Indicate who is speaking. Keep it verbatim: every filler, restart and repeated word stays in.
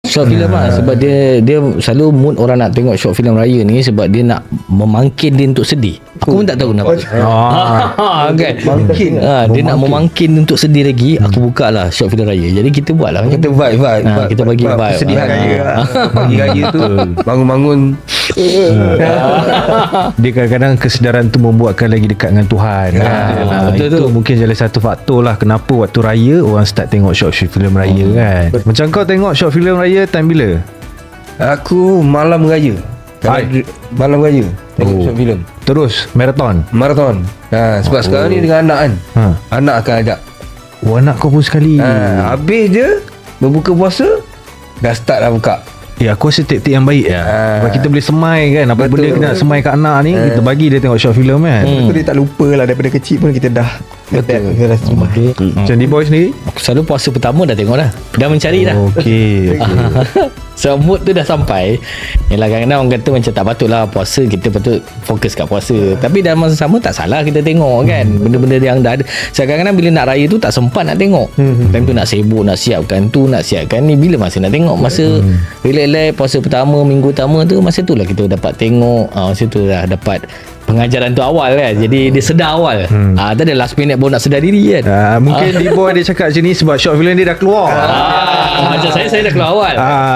Speaker 1: Short film lah. Sebab dia Dia selalu mood orang nak tengok short film raya ni sebab dia nak memangkin dia untuk sedih. Aku pun tak tahu kenapa.
Speaker 2: Ah,
Speaker 1: kan?
Speaker 3: Mangkin.
Speaker 1: Ha, dia nak memangkin untuk sedih lagi. Aku buka lah short film raya. Jadi kita buat lah.
Speaker 3: Kita vibe, vibe,
Speaker 1: Ha,
Speaker 3: vibe
Speaker 1: kita bagi
Speaker 3: vibe
Speaker 1: vibe.
Speaker 3: kesedihan
Speaker 1: Ha.
Speaker 3: raya. Bagi raya tu bangun-bangun.
Speaker 2: Dia kadang-kadang kesedaran tu membuatkan lagi dekat dengan Tuhan.
Speaker 1: Ya,
Speaker 2: Ah,
Speaker 1: betul
Speaker 2: itu
Speaker 1: tu.
Speaker 2: mungkin salah satu faktor lah kenapa waktu raya orang start tengok short film raya kan. Macam kau tengok short film raya time bila?
Speaker 3: Aku malam raya. Kalau
Speaker 2: Hai.
Speaker 3: dr- Malam raya tengok
Speaker 2: Oh.
Speaker 3: short film.
Speaker 2: Terus marathon.
Speaker 3: Marathon. Ha, sebab
Speaker 2: Oh.
Speaker 3: sekarang ni dengan anak kan.
Speaker 2: Ha.
Speaker 3: Anak akan ajak.
Speaker 2: Oh, anak kau pun sekali.
Speaker 3: Ha, habis je berbuka puasa dah start dah buka.
Speaker 2: Ya, aku rasa tip-tip yang baik lah.
Speaker 3: Ah.
Speaker 2: Sebab kita boleh semai kan. Apa
Speaker 3: Betul.
Speaker 2: benda kita nak semai kat anak ni, kita bagi dia tengok short film kan.
Speaker 4: Betul, dia tak lupa lah daripada kecil pun kita dah adapt, kita dah semua.
Speaker 2: Macam D-Boy sendiri?
Speaker 1: Aku selalu puasa pertama dah tengok dah. Dah mencari dah.
Speaker 2: Okey.
Speaker 1: So mood tu dah sampai. Yalah kadang-kadang orang kata macam tak patut lah puasa, kita patut fokus kat puasa. Tapi dalam masa sama tak salah kita tengok kan. Benda-benda yang dah ada. So kadang-kadang bila nak raya tu tak sempat nak tengok. Time tu nak sibuk, nak siapkan tu, nak siapkan ni. Bila masa nak tengok? Masa relax-relax puasa pertama, minggu pertama tu, masa tu lah kita dapat tengok. Ah, masa tu dah dapat pengajaran tu awal kan. Jadi dia sedar awal. Ah, tak ada last minute baru nak sedar diri kan.
Speaker 2: Ah, mungkin D-Boy dia cakap macam ni sebab short film dia dah keluar.
Speaker 1: Ah, macam saya, saya dah keluar awal.
Speaker 2: Ah,